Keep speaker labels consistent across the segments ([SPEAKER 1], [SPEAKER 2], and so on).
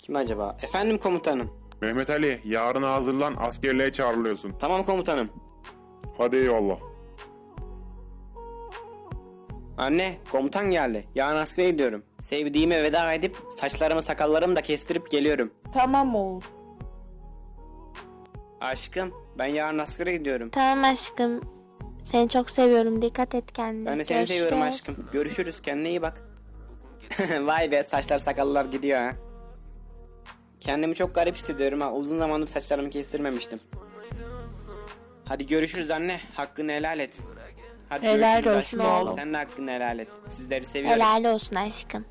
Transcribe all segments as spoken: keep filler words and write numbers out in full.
[SPEAKER 1] Kim acaba? Efendim komutanım.
[SPEAKER 2] Mehmet Ali, yarına hazırlan, askerliğe çağrılıyorsun.
[SPEAKER 1] Tamam komutanım.
[SPEAKER 2] Hadi eyvallah.
[SPEAKER 1] Anne, komutan geldi. Yarın askere gidiyorum. Sevdiğime veda edip saçlarımı sakallarımı da kestirip geliyorum.
[SPEAKER 3] Tamam oğul.
[SPEAKER 1] Aşkım, ben yarın askere gidiyorum.
[SPEAKER 4] Tamam aşkım. Seni çok seviyorum. Dikkat et kendine.
[SPEAKER 1] Ben de seni
[SPEAKER 4] Görüşürüz.
[SPEAKER 1] seviyorum aşkım. Görüşürüz, kendine iyi bak. Vay be, saçlar sakallar gidiyor ha. Kendimi çok garip hissediyorum ha. Uzun zamandır saçlarımı kestirmemiştim. Hadi görüşürüz anne. Hakkını helal et. Hadi
[SPEAKER 3] Helal
[SPEAKER 1] görüşürüz
[SPEAKER 3] olsun
[SPEAKER 1] aşkım.
[SPEAKER 3] oğlum.
[SPEAKER 1] Sen de hakkını helal et. Sizleri seviyorum.
[SPEAKER 4] Helal olsun aşkım.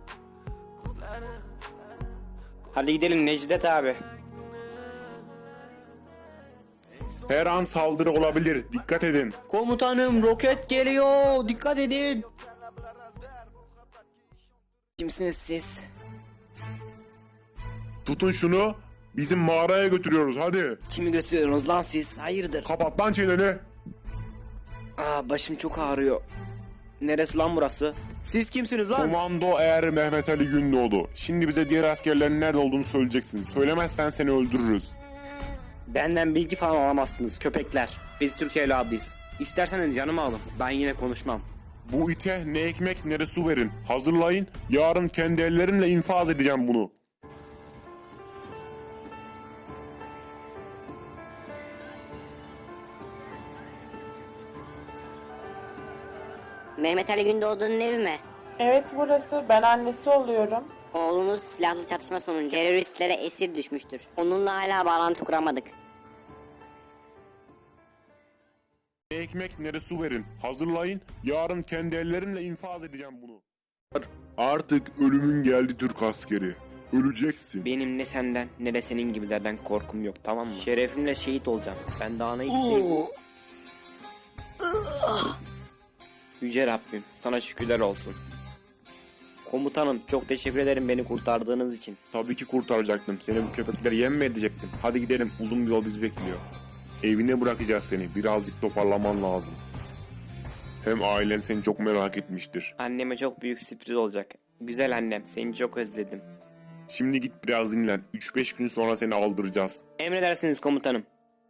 [SPEAKER 1] Hadi gidelim Necdet abi.
[SPEAKER 2] Her an saldırı olabilir, dikkat edin.
[SPEAKER 1] Komutanım, roket geliyor. Dikkat edin. Kimsiniz siz?
[SPEAKER 2] Tutun şunu, bizim mağaraya götürüyoruz hadi.
[SPEAKER 1] Kimi götürüyorsunuz lan siz? Hayırdır?
[SPEAKER 2] Kapat lan çeneni.
[SPEAKER 1] Aa, başım çok ağrıyor. Neresi lan burası? Siz kimsiniz lan?
[SPEAKER 2] Komando Er Mehmet Ali Gündoğdu. Şimdi bize diğer askerlerin nerede olduğunu söyleyeceksin. Söylemezsen seni öldürürüz.
[SPEAKER 1] Benden bilgi falan alamazsınız köpekler. Biz Türk evladıyız. İsterseniz canımı alın. Ben yine konuşmam.
[SPEAKER 2] Bu ite ne ekmek ne de su verin. Hazırlayın, yarın kendi ellerimle infaz edeceğim bunu.
[SPEAKER 5] Mehmet Ali Gündoğdu'nun evi mi?
[SPEAKER 3] Evet burası. Ben annesi oluyorum.
[SPEAKER 5] Oğlunuz silahlı çatışma sonucu teröristlere esir düşmüştür. Onunla hala bağlantı kuramadık.
[SPEAKER 2] Ne ekmek ne de su verin. Hazırlayın, yarın kendi ellerimle infaz edeceğim bunu. Artık ölümün geldi Türk askeri. Öleceksin.
[SPEAKER 1] Benim ne senden ne de senin gibilerden korkum yok, tamam mı? Şerefimle şehit olacağım. Ben daha ne isteyeyim? Yüce Rabbim, sana şükürler olsun. Komutanım, çok teşekkür ederim beni kurtardığınız için.
[SPEAKER 2] Tabii ki kurtaracaktım. Seni bu köpekler yem mi edecektim? Hadi gidelim. Uzun bir yol bizi bekliyor. Evine bırakacağız seni. Birazcık toparlaman lazım. Hem ailen seni çok merak etmiştir.
[SPEAKER 1] Anneme çok büyük sürpriz olacak. Güzel annem, seni çok özledim.
[SPEAKER 2] Şimdi git biraz dinlen. üç beş gün sonra seni aldıracağız.
[SPEAKER 1] Emredersiniz komutanım.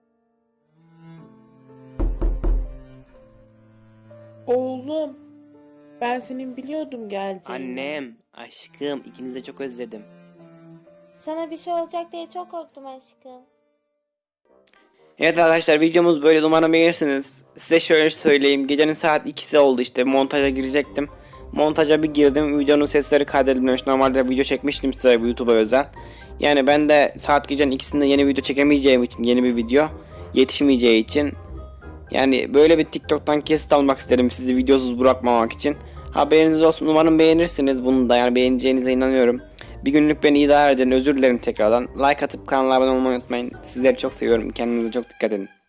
[SPEAKER 3] Oğlum. Ben senin biliyordum geleceğini.
[SPEAKER 1] Annem, aşkım, ikinizi de çok özledim.
[SPEAKER 4] Sana bir şey olacak diye çok korktum aşkım.
[SPEAKER 1] Evet arkadaşlar, videomuz böyle, umarım beğenirsiniz. Size şöyle söyleyeyim, gecenin saat ikisi oldu, işte montaja girecektim. Montaja bir girdim, videonun sesleri kaydedilmemiş. Normalde video çekmiştim size YouTube'a özel. Yani ben de saat gecenin ikisinde yeni video çekemeyeceğim için, yeni bir video yetişmeyeceği için, yani böyle bir TikTok'tan kesit almak istedim sizi videosuz bırakmamak için. Haberiniz olsun, umarım beğenirsiniz bunu da, yani beğeneceğinize inanıyorum. Bir günlük beni idare edin, özür dilerim tekrardan. Like atıp kanala abone olmayı unutmayın. Sizleri çok seviyorum, kendinize çok dikkat edin.